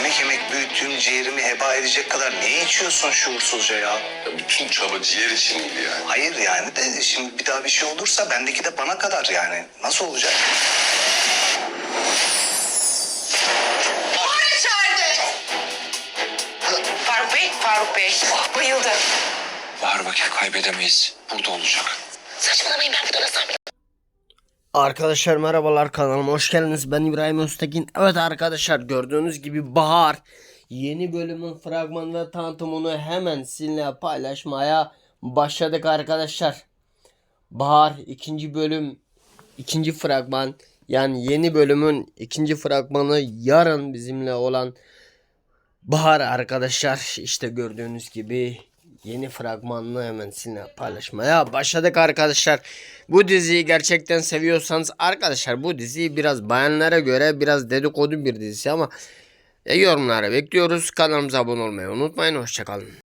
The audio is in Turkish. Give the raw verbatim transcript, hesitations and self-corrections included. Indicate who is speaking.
Speaker 1: Kemik emek büyüttüğüm ciğerimi heba edecek kadar niye içiyorsun şuursuzca ya?
Speaker 2: Ya bütün çaba ciğer için miydi yani?
Speaker 1: Hayır yani de şimdi bir daha bir şey olursa bendeki de bana kadar yani. Nasıl olacak?
Speaker 3: Buhar içeride. Faruk Bey, Faruk Bey. Bayıldı.
Speaker 4: Bahar vakit kaybedemeyiz. Burada olacak.
Speaker 3: Saçmalamayın, ben burada nasıl
Speaker 5: Arkadaşlar merhabalar, kanalıma hoş geldiniz. Ben İbrahim Öztekin. Evet arkadaşlar, gördüğünüz gibi Bahar yeni bölümün fragman ve tanıtımını hemen sizinle paylaşmaya başladık arkadaşlar. Bahar ikinci bölüm, ikinci fragman, yani yeni bölümün ikinci fragmanı yarın bizimle olan Bahar arkadaşlar. İşte gördüğünüz gibi yeni fragmanını hemen sizinle paylaşmaya başladık arkadaşlar. Bu diziyi gerçekten seviyorsanız arkadaşlar, bu diziyi biraz bayanlara göre biraz dedikodu bir dizisi ama e, yorumlara bekliyoruz. Kanalımıza abone olmayı unutmayın. Hoşçakalın.